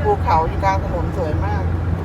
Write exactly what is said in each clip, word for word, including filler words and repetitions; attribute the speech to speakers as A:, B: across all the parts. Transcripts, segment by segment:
A: ภูเขาอยู่กลางถนนสวยมาก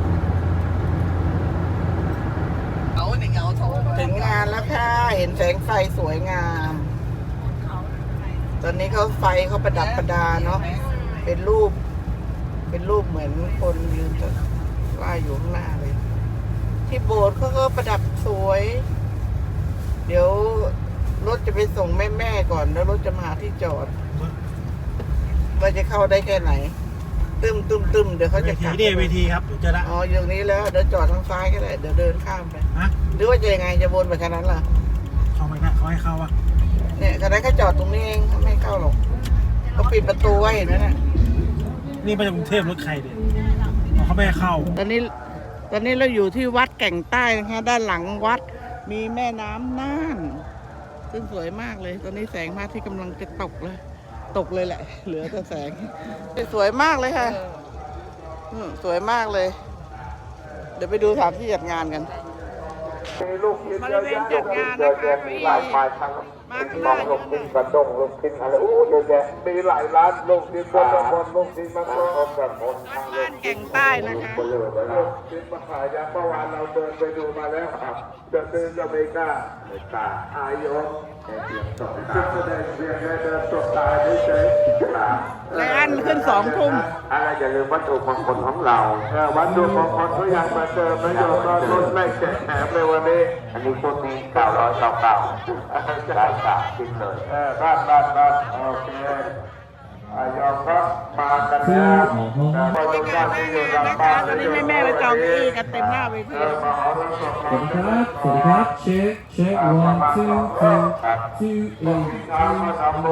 A: ถึงงานแล้วค่ะเห็นแสงไฟสวยงามตอนนี้เขาไฟเขาประดับประดาเนาะเป็นรูปเป็นรูปเหมือนคนยืนว่าอยู่ข้างหน้าเลยที่โบสถ์เขาก็ประดับสวย เดี๋ยวรถจะไปส่งแม่แม่ก่อนแล้วรถจะมาหาที่จอดว่าจะเข้าได้แค่ไหนตึมตึมตึมเดี๋ยวเขาจะกลับ
B: เวทีเวทีครับเจอละ
A: อ๋ออย่างนี้แล้วเดี๋ยวจอดทางซ้ายก็ได้เดี๋ยวเดินข้ามไป
B: ฮะ
A: หรือว่าจะยังไงจะวนไปแค่นั้นล่ะ
B: เข้าไปนะเขาให้เข้าอ่ะ
A: เนี่ยขณะเขาจอดตรงนี้เองเขาไม่เข้าหรอกเขาปิดประตูไว้เห็นไหมน่ะ
B: นี่มาจากกรุงเทพรถใครเนี่ยเขาไม่ให้เข้า
A: ตอนนี้ตอนนี้เราอยู่ที่วัดแก่งใต้นะคะด้านหลังวัดมีแม่น้ำน่านซึ่งสวยมากเลยตอนนี้แสงพระอาทิตย์กำลังจะตกเลยตกเลยแหละ เหลือแต่แสงสวยมากเลยค่ะสวยมากเลยเดี๋ยวไปดูสถานที่จัดงานกันบริเวณจัดงานนะคะมีหลายมาข้างหน้าลูกชิ้นกระด้งลูกชิ้นอะไรอู้เยอะแยะมีหลายร้านลูกชิ้นบนบนลูกชิ้นมาต้มกับคนบ้านแก่งใต้นะคะลูกชิ้นมาขายยาเมื่อวานเราเดินไปดูมาแล้วครับจะซื้อจะไม่กล้าไม่กล้าอายกแค่เพียงสองตาแสดงเพียงแค่เดินตกตาเฉยๆและอันขึ้นสองทุ่มอะไรอย่าลืมวัตถุมงคลของเราวัตถุมงคลก็ยังมาเจอประโยชน์ก็ลดไล่แจกแถมในวันนี้อันนี้พวกนี้เก้าร้อยเก้าเก้าได้สามชิ้นเลยเออบ้านบ้านบ้านโอเคยอมครับมากันแล้วบรรยากาศที่อยู่หลังบ้านตอนนี้แม่ๆไปจองที่กันเต็มหน้าเวที
C: สวัสดีครับ สวัสดีครับ เช็ค เช็ค one two two two eight two